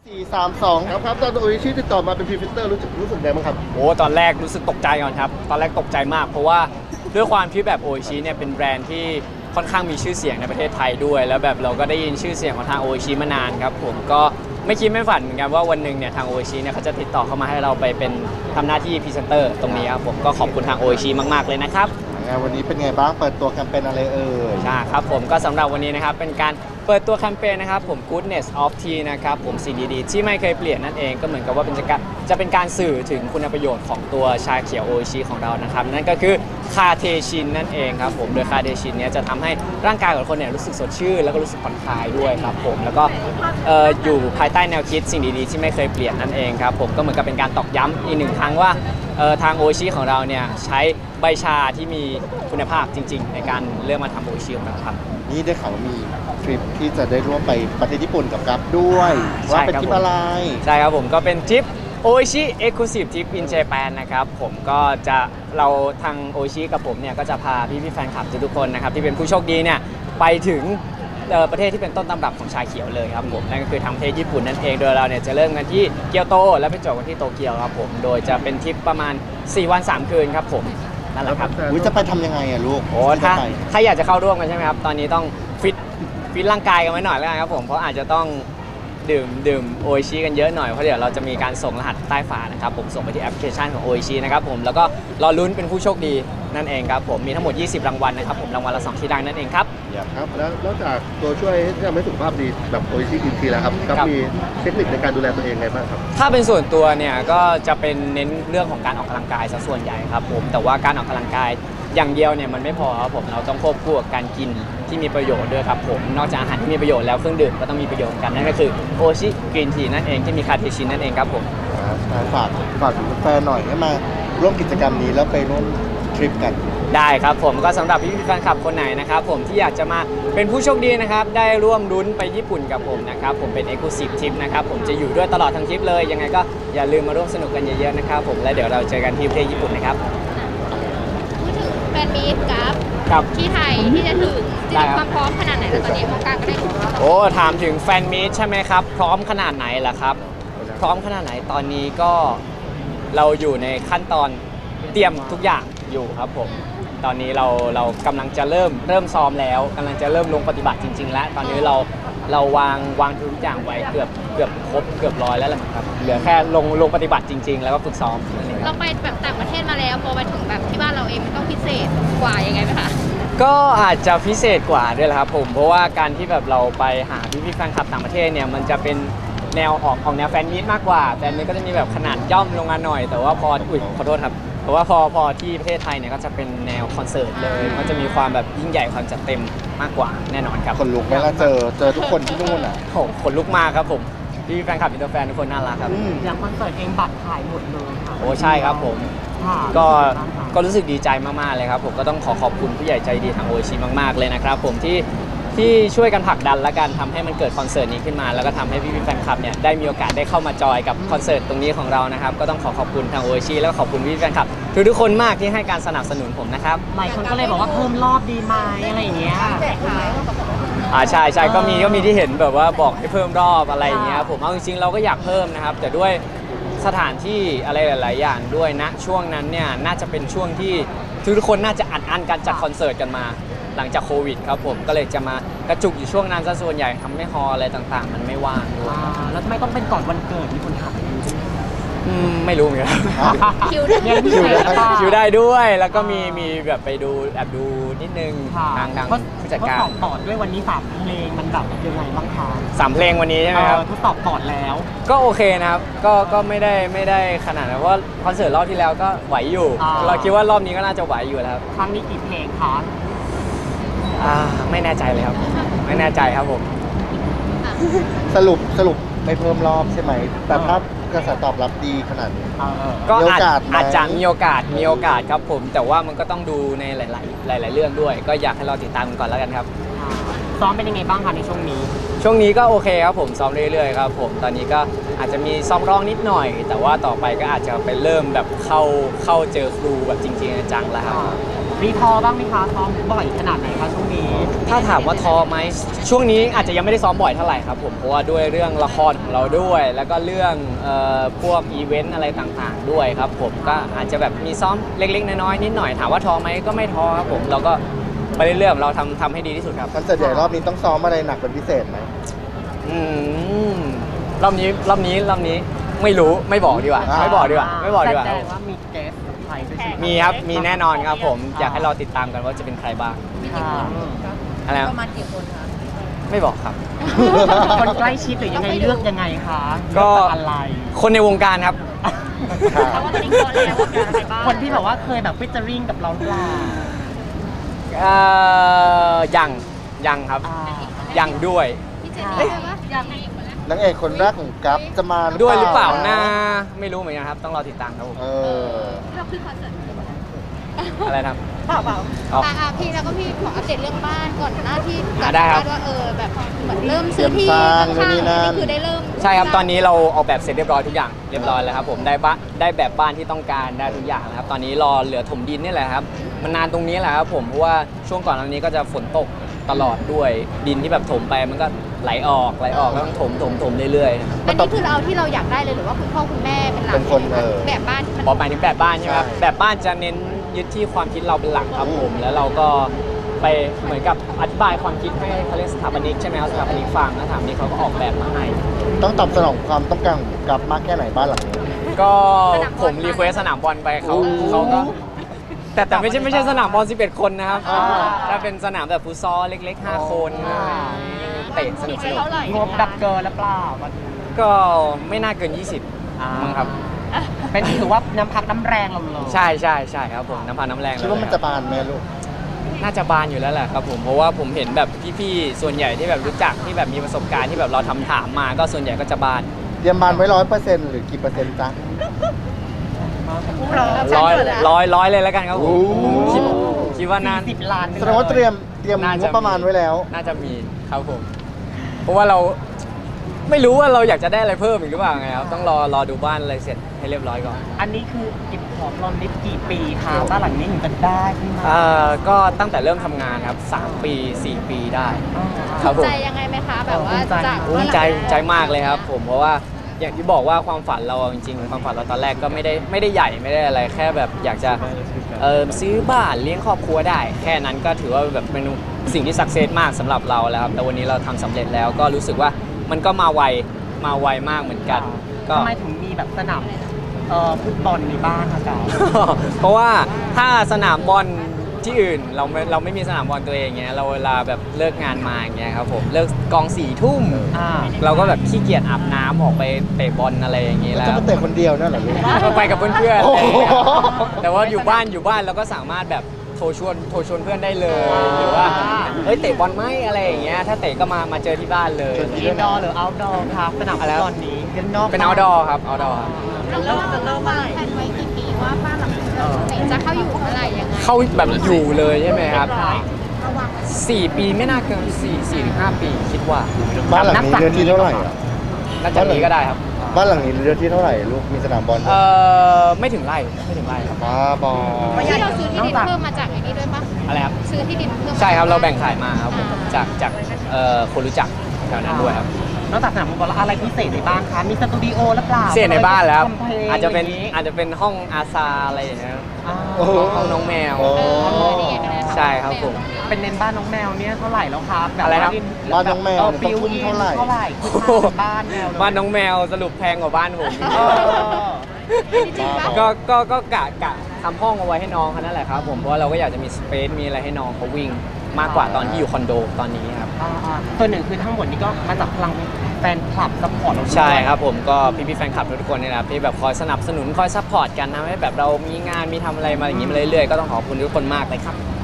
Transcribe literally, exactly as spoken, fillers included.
สี่ สาม สองครับครับตอนโออิชิติดต่อมาเป็นพรีเซนเตอร์รู้สึกรู้สึกไงบ้างครับโอ้ตอนแรกรู้สึกตกใจก่อนครับตอนแรกตกใจมากเพราะว่าด้วยความที่แบบโออิชิเนี่ยเป็นแบรนด์ที่ค่อนข้างมีชื่อเสียงในประเทศไทยด้วยแล้วแบบเราก็ได้ยินชื่อเสียงของทางโออิชิมานานครับผมก็ไม่คิดไม่ฝันเหมือนกันว่าวันหนึ่งเนี่ยทางโออิชิเนี่ยเขาจะติดต่อเข้ามาให้เราไปเป็นทำหน้าที่พรีเซนเตอร์ตรงนี้ครับผมก็ขอบคุณทางโออิชิมากๆเลยนะครับวันนี้เป็นไงบ้างเปิดตัวแคมเปญอะไรเอ่ยใช่ครับผมก็สำหรับวันนี้นะครับเป็นการเปิดตัวแคมเปญนะครับผม Goodness of Tea นะครับผมสิ่งดีๆที่ไม่เคยเปลี่ยนนั่นเองก็เหมือนกับว่าเป็นจะจะเป็นการสื่อถึงคุณประโยชน์ของตัวชาเขียวโออิชิของเรานะครับนั่นก็คือคาเทชินนั่นเองครับผมโดยคาเทชินเนี้ยจะทำให้ร่างกายของคนเนี่ยรู้สึกสดชื่นแล้วก็รู้สึกผ่อนคลายด้วยครับผมแล้วก็เอ่ออยู่ภายใต้แนวคิดสิ่งดีๆที่ไม่เคยเปลี่ยนนั่นเองครับผมก็เหมือนกับเป็นการตอกย้ำอีกหนึ่งครั้งว่าเอ่อทางโออิชิของเราเนี่ยใช้ใบชาที่มีคุณภาพจริงๆในการเลือกมาทำโออิชิของเราครับนี่ได้ข่าวว่ามีทริปที่จะได้ร่วมไปประเทศญี่ปุ่นกับกัฟด้วยว่าเป็นทริปอะไรใช่ครับผมก็เป็นทริปโออิชิเอ็กซ์คลูซีฟทริปอินเจแปนนะครับผมก็จะเราทางโออิชิกับผมเนี่ยก็จะพาพี่พี่แฟนคลับทุกคนนะครับที่เป็นผู้โชคดีเนี่ยไปถึงประเทศที่เป็นต้นตำรับของชาเขียวเลยครับผมนั่นก็คือทางประเทศญี่ปุ่นนั่นเองโดยเราเนี่ยจะเริ่มกันที่เกียวโตแล้วไปจบกันที่โตเกียวครับผมโดยจะเป็นทริปประมาณสี่วันสามคืนครับผมนั่นแหละครับอุ้ยจะไปทำยังไงอะลูกโอ้ถ้าถ้าอยากจะเข้าร่วมกันใช่ไหมครับตอนนี้ต้องฟิตฟิตร่างกายกันไว้หน่อยแล้วกันครับผมเพราะอาจจะต้องดื่มดื่มโออิชิกันเยอะหน่อยเพราะเดี๋ยวเราจะมีการส่งรหัสใต้ฝานะครับผมส่งไปที่แอปพลิเคชันของโออิชินะครับผมแล้วก็รอลุ้นเป็นผู้โชคดีนั่นเองครับผมมีทั้งหมดยี่สิบรางวัลนะครับผมรางวัลละสองที่ดังนั่นเองครับครับแล้วนอกจากตัวช่วยที่ทำให้สุขภาพดีแบบโออิชิกินทีแล้วครับก็มีเทคนิคในการดูแลตัวเองไงบ้างครับถ้าเป็นส่วนตัวเนี่ยก็จะเป็นเน้นเรื่องของการออกกำลังกายซะส่วนใหญ่ครับผมแต่ว่าการออกกำลังกายอย่างเดียวเนี่ยมันไม่พอครับผมเราต้องควบคู่กับการกินที่มีประโยชน์ด้วยครับผมนอกจากอาหารที่มีประโยชน์แล้วเครื่องดื่มก็ต้องมีประโยชน์กันนั่นก็คือโออิชิกรีนทีนั่นเองที่มีคาเทชินนั่นเองครับผมฝากฝากถึงแฟนหน่อยให้มาร่วมกิจกรรมนี้แล้วไปร่วมทริปกันได้ครับผมก็สำหรับพี่ๆแฟนคลับคนไหนนะครับผมที่อยากจะมาเป็นผู้โชคดีนะครับได้ร่วมลุ้นไปญี่ปุ่นกับผมนะครับผมเป็น Exclusive Trip นะครับผมจะอยู่ด้วยตลอดทั้งทริปเลยยังไงก็อย่าลืมมาร่วมสนุกกันเยอะๆนะครับผมและเดี๋ยวเราเจอกันที่ประเทศญี่ปุ่นนะครับพูดถึงแฟนมีตกับกับที่ไทยที่จะถึงจะมีความพร้อมขนาดไหนแล้วตอนนี้วงการก็ได้ถึงโอ้ถามถึงแฟนมีตใช่ไหมครับพร้อมขนาดไหนล่ะครับพร้อมขนาดไหนตอนนี้ก็เราอยู่ในขั้นตอนเตรียมทุกอย่างอยู่ครับผมตอนนี้เราเรากำลังจะเริ่มเริ่มซ้อมแล้วกำลังจะเริ่มลงปฏิบัติจริงๆแล้วตอนนี้เราเราวางวางทุกอย่างไว้เกือบเกือบครบเกือบร้อยแล้วแหละครับเหลือแค่ลงลงปฏิบัติจริงๆแล้วก็ฝึกซ้อมนั่นเองเราไปแบบต่างประเทศมาแล้วพอไปถึงแบบที่บ้านเราเองมันต้องพิเศษกว่ายังไงไหมคะก็อาจจะพิเศษกว่าด้วยแหละครับผมเพราะว่าการที่แบบเราไปหาพี่พี่แฟนคลับต่างประเทศเนี่ยมันจะเป็นแนวออกของแนวแฟนมีตมากกว่าแฟนมีตก็จะมีแบบขนาดย่อมลงมาหน่อยแต่ว่าพออุ้ยขอโทษครับเพราะว่าพอพอที่ประเทศไทยเนี่ยก็จะเป็นแนวคอนเสิร์ตเลยมันจะมีความแบบยิ่งใหญ่ความจัดเต็มมากกว่าแน่นอนครับคนลุกไหมล่ะเจอเจอทุกคนที่นู่นอ่ะโอ้คนลุกมากครับผมพี่แฟนคลับอินเตอร์แฟนทุกคนน่ารักครับอย่างคอนเสิร์ตเองบัตรขายหมดเลยค่ะโอ้ใช่ครับผมก็ก็รู้สึกดีใจมากๆเลยครับผมก็ต้องขอขอบคุณผู้ใหญ่ใจดีทางโออิชิมากๆเลยนะครับผมที่ที่ช่วยกันผลักดันและกันทำให้มันเกิดคอนเสิร์ตนี้ขึ้นมาแล้วก็ทำให้พี่ๆแฟนคลับเนี่ยได้มีโอกาสได้เข้ามาจอยกับคอนเสิร์ตตรงนี้ของเรานะครับก็ต้องขอขอบคุณทางโออิชิแล้วก็ขอบคุณพี่ๆแฟนคลับทุกๆคนมากที่ให้การสนับสนุนผมนะครับหลายคนก็เลยบอกว่าเพิ่มรอบดีไหมอะไรอย่างเงี้ยอ่าใช่ใช่ก็มีก็มีที่เห็นแบบว่าบอกให้เพิ่มรอบอะไรอย่างเงี้ยผมเอาจริงๆเราก็อยากเพิ่มนะครับแต่ด้วยสถานที่อะไรหลายๆอย่างด้วยนะช่วงนั้นเนี่ยน่าจะเป็นช่วงที่ทุกคนน่าจะอัดอั้นการจัดคอนเสิร์ตกันมาหลังจากโควิดครับผมก็เลยจะมากระจุกอยู่ช่วงนั้นซะส่วนใหญ่ทำให้ฮอลอะไรต่างๆมันไม่ว่างด้วยแล้วทำไมต้องเป็นก่อนวันเกิดมีคนถามไม่รู้เหมือนกันคิวได้คิวได้ด้วยแล้วก็มีมีแบบไปดูแอบดูนิดนึงทางทางผู้จัดการทดสอบปอดด้วยวันนี้สามเพลงมันแบบยังไงบ้างคะสามเพลงวันนี้ใช่ไหมครับทดสอบปอดแล้วก็โอเคนะครับก็ก็ไม่ได้ไม่ได้ขนาดนั้นเพราะคอนเสิร์ตรอบที่แล้วก็ไหวอยู่เราคิดว่ารอบนี้ก็น่าจะไหวอยู่แล้วครั้งนี้กี่เพลงคะอ่าไม่แน่ใจเลยครับไม่แน่ใจครับผมสรุปสรุปไม่เพิ่มรอบใช่ไหมแต่ถ้ากระแสตอบรับดีขนาดนี้ก็อาจอาจจะมีโอกาสมีโอกาสครับผมแต่ว่ามันก็ต้องดูในหลายๆหลายๆเรื่องด้วยก็อยากให้เราติดตามกันก่อนแล้วกันครับซ้อมเป็นยังไงบ้างคะในช่วงนี้ช่วงนี้ก็โอเคครับผมซ้อมเรื่อยๆครับผมตอนนี้ก็อาจจะมีซ้อมร้องนิดหน่อยแต่ว่าต่อไปก็อาจจะไปเริ่มแบบเข้าเข้าเจอครูแบบจริงๆจังๆแล้วครับมีท้อบ้างไหมคะซ้อมบ่อยขนาดไหนคะช่วงนี้ถ้าถามว่าท้อไหมช่วงนี้อาจจะยังไม่ได้ซ้อมบ่อยเท่าไหร่ครับผมเพราะว่าด้วยเรื่องละครของเราด้วย แล้วก็เรื่องเอ่อพวกอีเวนต์อะไรต่างๆด้วยครับผมก็อาจจะแบบมีซ้อมเล็กๆน้อยๆนิดหน่อยถามว่าท้อไหมก็ไม่ท้อครับผมเราก็ไปเรื่อยๆเราทำทำให้ดีที่สุดครับคอนเสิร์ตใหญ่รอบนี้ต้องซ้อมอะไรหนักเป็นพิเศษไหมอืมรอบนี้รอบนี้รอบนี้ไม่รู้ไม่บอกดีกว่าอ่าไม่บอกดีกว่าไม่บอกดีกว่าแสดงว่ามีเกสใครด้วยใช่ไหมมีครับมีแน่นอนครับผมอยากให้เราติดตามกันว่าจะเป็นใครบ้างค่ะอะไรครับประมาณกี่คนคะไม่บอกครับคนใกล้ชิดหรือยังไงเลือกยังไงคะก็เลือจากอะไรคนในวงการครับเพราะว่าตอนนี้คนแล้วว่าเป็นอะไรบ้างคนที่แบบว่าเคยแบบฟิชเจอริงกับเราหรือเปล่าเอ่อยังยังครับอ่ายังด้วยพี่เจนนี่เลยว่าอยากมีคนแล้วนางเอกคนแรกของกัฟจะมาด้วยหรือเปล่านะไม่รู้เหมือนกันครับ ต้องรอติดตามครับผมเออเราขึ้นคอนเสิร์ตอะไรนะครับเปล่าเปล่าอ๋ออ่ะพี่แล้วก็พี่ขออัปเดตเรื่องบ้านก่อนหน้าที่อ่ะได้ครับว่าเออแบบเหมือนเริ่มซื้อที่เตรียมสร้างข้างนู่นนี่นั่นๆคือได้เริ่มใช่ครับตอนนี้เราออกแบบเสร็จเรียบร้อยทุกอย่างเรียบร้อยแล้วครับผมได้บ้านได้แบบบ้านที่ต้องการได้ทุกอย่างแล้วครับตอนนี้รอเหลือถมดินนี่แหละครับมันนานตรงนี้แหละครับผมเพราะว่าช่วงก่อนอันนี้ก็จะฝนตกตลอดด้วยดินที่แบบถมไปมันก็ไหลออกไหลออกแล้วต้องถมถมถมเรื่อยๆนะครับอันนี้คือเราเอาที่เราอยากได้เลยหรือว่าคุณพ่อคุณแม่เป็นหลักเป็นคนเออแบบบ้านที่มันพอไปถึงแบบบ้านใช่ไหมครับใช่แบบบ้านจะเน้นยึดที่ความคิดเราเป็นหลักครับผมแล้วเราก็ไปเหมือนกับอธิบายความคิดให้เขาเรียกสถาปนิกใช่ไหมครับสถาปนิกฟังแล้วสถาปนิกเขาก็ออกแบบมาให้ต้องตอบสนองความต้องการของกัฟมากแค่ไหนบ้านหลังนี้ก็ผมรีเควสสนามบอลไปเขาโอ้เขาก็แต่แต่ไม่ใช่ไม่ใช่สนามบอลสิบเอ็ดคนนะครับอ่าถ้าเป็นสนามแบบฟุตซอลเล็กๆห้าคนอ่าเตะสนุกสนุกงบดับเกินหรือเปล่ามันก็ไม่น่าเกิน ยี่สิบ มั้งครับเป็นถือว่าน้ำพักน้ำแรงเราเลยใช่ใช่ใช่ครับผมน้ำพันน้ำแรงคิดว่ามันจะบานไหมลูกน่าจะบานอยู่แล้วแหละครับผมเพราะว่าผมเห็นแบบพี่ๆส่วนใหญ่ที่แบบรู้จักที่แบบมีประสบการณ์ที่แบบเราทำถามมาก็ส่วนใหญ่ก็จะบานเตรียมบานไว้ร้อยเปอร์เซ็นต์หรือกี่เปอร์เซ็นต์จ๊ะร้อยร้อยร้อยเลยแล้วกันครับผมโอ้คิดคิดว่าน่าสิบล้านแสดงว่าเตรียมเตรียมน่าจะงบประมาณไว้แล้วน่าจะมีครับผม เพราะว่าเราไม่รู้ว่าเราอยากจะได้อะไรเพิ่มอีกหรือเปล่าไงครับต้องรอรอดูบ้านอะไรเสร็จให้เรียบร้อยก่อนอันนี้คือเก็บหอมรอมริบกี่ปีคะบ้านหลังนี้ถึงจะได้ขึ้นมาเอ่อก็ตั้งแต่เริ่มทำงานครับสามปีสี่ปีได้ครับผมใจยังไงไหมคะแบบว่าจากภูมิใจใจมากเลยครับผมเพราะว่าอย่างที่บอกว่าความฝันเราจริงๆความฝันเราตอนแรกก็ไม่ได้ไม่ได้ใหญ่ไม่ได้อะไรแค่แบบอยากจะเออซื้อบ้านเลี้ยงครอบครัวได้ แค่นั้นก็ถือว่าแบบเป็นสิ่งที่สักเซสมากสำหรับเราแล้วครับแต่วันนี้เราทำสำเร็จแล้วก็รู้สึกว่ามันก็มาไวมาไวมากเหมือนกันก็ทำไมถึงมีแบบสนามเอ่อฟุตบอลในบ้านคะจ๊ะเพราะว่าถ้าสนามบอลที่อื่นเราไม่เราไม่มีสนามบอลตัวเองเงี้ยเราเวลาแบบเลิกงานมาอย่างเงี้ยครับผมเลิกกองสี่ทุ่มอ่าเราก็แบบขี้เกียจอาบน้ำออกไปเตะบอลอะไรอย่างงี้แล้วแล้จะวมาเตะคนเดียวนั่นเหรอลูกก็ไปกับเพื่อนๆโอ้โหแต่ว่าอยู่บ้านอยู่บ้านเราก็สามารถแบบโทรชวนโทรชวนเพื่อนได้เลยหรือว่าเฮ้ยเตะบอลไหมอะไรอย่างเงี้ยถ้าเตะก็มามาเจอที่บ้านเลยอินดอร์หรือเอาท์ดอร์ครับสนามฟุตบอลนี้เป็นนอกเป็น outdoor ครับ outdoor ครับเราเริ่มจะเริ่มมาแผนไว้กี่ปีว่าบ้านหลังนี้จะเข้าอยู่เมื่อไหร่ยังไงเข้าแบบอยู่เลยใช่ไหมครับระวังสี่ปีไม่น่าเกินสี่สี่ถึงห้าปีคิดว่าบ้านหลังนี้เนื้อที่เท่าไหร่อ่ะน่าจะมีก็ได้ครับบ้านหลังนี้เนื้อที่เท่าไหร่ลูกมีสนามบอลเออไม่ถึงไร่ไม่ถึงไร่ครับบ้าบอที่เราซื้อที่ดินเพิ่มมาจากไอ้นี่ด้วยปะอะไรครับซื้อที่ดินเพิ่มใช่ครับเราแบ่งขายมาครับผมจากจากเอ่อคนรู้จักแถวนั้นด้วยครับนอกจากสนามฟุตบอลแล้วอะไรพิเศษในบ้านคะมีสตูดิโอหรือเปล่าเสียในบ้านแล้วครับทำพลงอาจจะเป็นย่งงี้อาจจะเป็นห้องอาซาอะไรอย่างเงี้ยครับอ่าโอ้โหห้องน้องแมวโอ้เออนี่ไงก็ได้ใช่ครับผมเป็นเน้นบ้านน้องแมวเนี่ยเท่าไหร่แล้วครับแบบอะไรครับว่าบ้านน้องแมวเบิวต้องทุ่มอินเท่าไหร่เท่าไหร่คือบ้านแมวเลยบ้านน้องแมวสรุปแพงกว่าบ้านผมเออจริงปะก็ก็ก็กะกะทำห้องเอาไว้ให้น้องเขานั่นแหละครับผมเพราะว่าเราก็อยากจะมีสเปซมีอะไรให้น้องเขาวิ่งมากกว่าตอนที่อยู่คอนโดตอนนี้ครับอ่าๆตัวหนึ่งคือทั้งหมดนี้ก็มาจากพลังแฟนคลับซัพพอร์ตเราด้วยใช่ครับผมก็พี่พี่ๆแฟนคลับทุกคนเนี่ยนะครับที่แบบคอยสนับสนุนคอยซัพพอร์ตกันทำให้แบบเรามีงานมีทำอะไรมาอย่างนี้มาเรื่อยๆก็ต้องขอบคุณทุกคนมากเลยครับ